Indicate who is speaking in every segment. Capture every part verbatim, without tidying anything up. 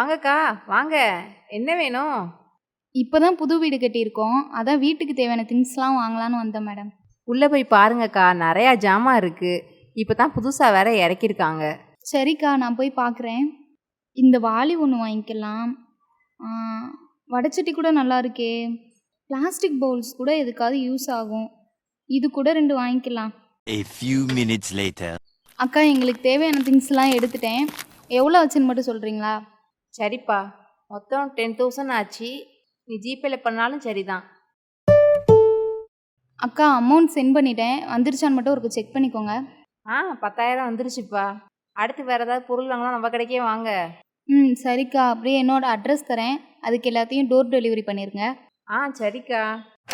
Speaker 1: வாங்கக்கா வாங்க. என்ன வேணும்?
Speaker 2: இப்பதான் புது வீடு கட்டியிருக்கோம். அதான் வீட்டுக்கு தேவையான திங்ஸ்லாம் வாங்கலான்னு வந்தேன் மேடம்.
Speaker 1: உள்ளே போய் பாருங்கக்கா, நிறையா ஜாமான் இருக்கு. இப்போ தான் புதுசாக வேற இறக்கியிருக்காங்க.
Speaker 2: சரிக்கா, நான் போய் பார்க்குறேன். இந்த வாளி ஒன்று வாங்கிக்கலாம். ஆ, வடைச்சட்டி கூட நல்லா இருக்கே. பிளாஸ்டிக் பவுல்ஸ் கூட எதுக்காவது யூஸ் ஆகும். இது கூட ரெண்டு வாங்கிக்கலாம்.
Speaker 3: A few minutes later.
Speaker 2: அக்கா, எங்களுக்கு தேவையான திங்ஸ்லாம் எடுத்துட்டேன். எவ்வளோ ஆச்சுன்னு மட்டும் சொல்கிறீங்களா?
Speaker 1: சரிப்பா, மொத்தம் டென் தௌசண்ட் ஆச்சு. நீ ஜிபேல பண்ணாலும் சரிதான்.
Speaker 2: அக்கா, அமௌண்ட் சென்ட் பண்ணிட்டேன். வந்துருச்சான்னு மட்டும் ஒரு செக் பண்ணிக்கோங்க.
Speaker 1: ஆ பத்தாயிரம் வந்துருச்சுப்பா. அடுத்து வேறு ஏதாவது பொருள் வாங்கலாம் நம்ம கடைக்கே வாங்க.
Speaker 2: ம் சரிக்கா, அப்படியே என்னோட அட்ரஸ் தரேன். அதுக்கு எல்லாத்தையும் டோர் டெலிவரி பண்ணிடுங்க.
Speaker 1: ஆ சரிக்கா.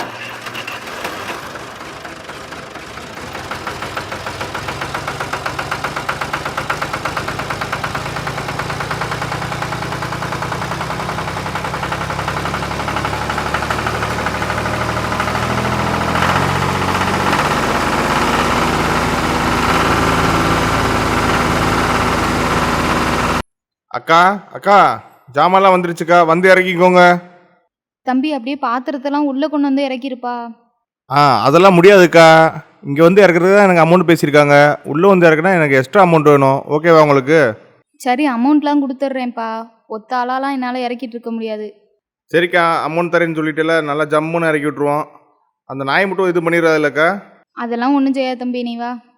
Speaker 4: அக்கா அக்கா ஜாமான்லாம் வந்துருச்சுக்கா, வந்து இறக்கிக்கோங்க.
Speaker 2: தம்பி, அப்படியே பாத்திரத்தெல்லாம் உள்ளே கொண்டு வந்து இறக்கிருப்பா.
Speaker 4: ஆ அதெல்லாம் முடியாதுக்கா. இங்கே வந்து இறக்குறது தான் எனக்கு அமௌண்ட் பேசியிருக்காங்க. உள்ளே வந்து இறக்குனா எனக்கு எக்ஸ்ட்ரா அமௌண்ட் வேணும். ஓகேவா உங்களுக்கு?
Speaker 2: சரி, அமௌண்ட்லாம் கொடுத்துட்றேன்ப்பா. ஒத்த ஆளாலாம் என்னால் இறக்கிட்டு இருக்க முடியாது.
Speaker 4: சரிக்கா, அமௌண்ட் தரேன்னு சொல்லிட்டுல நல்லா ஜம்முன்னு இறக்கி விட்ருவோம். அந்த நாய் மட்டும் இது பண்ணிடுறாது இல்லைக்கா?
Speaker 2: அதெல்லாம் ஒன்றும் செய்யாது தம்பி, நீ வா.